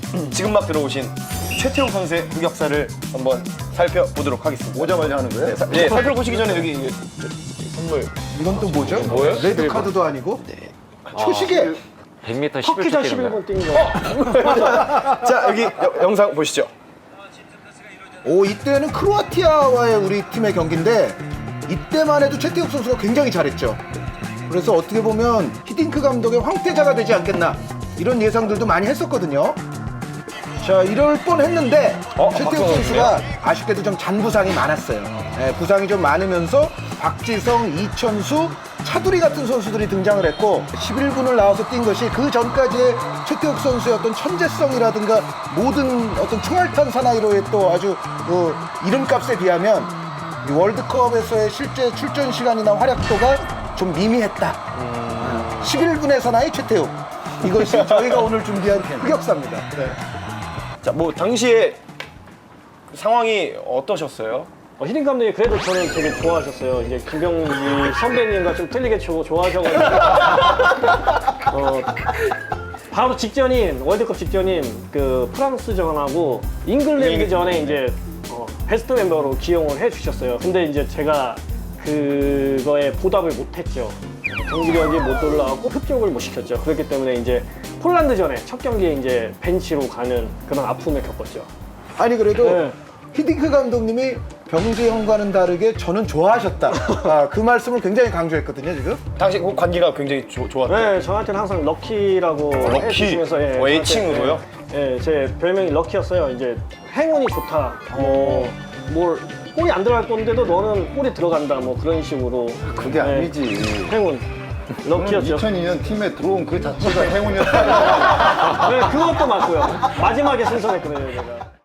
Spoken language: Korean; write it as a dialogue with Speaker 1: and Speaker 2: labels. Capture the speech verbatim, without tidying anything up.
Speaker 1: 지금 막 들어오신 최태웅 선수의 흑역사를 한번 살펴보도록 하겠습니다.
Speaker 2: 오자마자 하는 거예요?
Speaker 1: 네, 사, 네 살펴보시기 전에 여기 이제 저- 선물.
Speaker 3: 이건 또 뭐죠?
Speaker 1: 뭐예요?
Speaker 3: 레드 카드도 아니고? 초시계!
Speaker 4: 백 미터
Speaker 5: 터키자
Speaker 4: 십일 초
Speaker 5: 십일 분 뛴 거.
Speaker 1: 자 여기 여- 영상 보시죠.
Speaker 3: 오, 이때는 크로아티아와의 우리 팀의 경기인데 이때만 해도 최태욱 선수가 굉장히 잘했죠. 그래서 어떻게 보면 히딩크 감독의 황태자가 되지 않겠나 이런 예상들도 많이 했었거든요. 자, 이럴 뻔했는데
Speaker 1: 어,
Speaker 3: 최태욱
Speaker 1: 박성호
Speaker 3: 선수가 아쉽게도 좀 잔부상이 많았어요. 예, 부상이 좀 많으면서 박지성, 이천수, 차두리 같은 선수들이 등장을 했고 십일 분을 나와서 뛴 것이 그 전까지의 최태욱 선수의 어떤 천재성이라든가 모든 어떤 총알탄 사나이로의 또 아주 그 이름값에 비하면 이 월드컵에서의 실제 출전 시간이나 활약도가 좀 미미했다. 십일 분의 사나이 최태욱. 이것이 저희가 오늘 준비한 흑역사입니다. 네.
Speaker 1: 자 뭐 당시에 상황이 어떠셨어요?
Speaker 5: 어, 히딩 감독이 그래도 저는 되게 좋아하셨어요. 이제 김병지 선배님과 좀 틀리게 조- 좋아하셔가지고. 어, 바로 직전인, 월드컵 직전인 그 프랑스전하고 잉글랜드전에 이제 어, 베스트 멤버로 기용을 해주셨어요. 근데 이제 제가 그거에 보답을 못했죠. 경기력이 못 올라가고 흡족을 못 시켰죠. 그렇기 때문에 이제 폴란드전에 첫 경기에 이제 벤치로 가는 그런 아픔을 겪었죠.
Speaker 3: 아니 그래도
Speaker 5: 네.
Speaker 3: 히딩크 감독님이 병재 형과는 다르게 저는 좋아하셨다. 아, 그 말씀을 굉장히 강조했거든요 지금.
Speaker 1: 당시 그 관계가 굉장히 조, 좋았던.
Speaker 5: 네, 저한테는 항상 럭키라고
Speaker 1: 럭키?
Speaker 5: 해주시면서 예,
Speaker 1: 어, 애칭으로요?
Speaker 5: 저한테, 예, 제 별명이 럭키였어요. 이제 행운이 좋다. 뭐, 뭘 골이 안 들어갈 건데도 너는 골이 들어간다. 뭐 그런 식으로.
Speaker 2: 그게
Speaker 5: 예,
Speaker 2: 아니지.
Speaker 5: 행운. 럭키였죠.
Speaker 2: 이천이 년 팀에 들어온 그 자체가 행운이었다.
Speaker 5: 네, 그것도 맞고요. 마지막에 승선했거든요, 제가.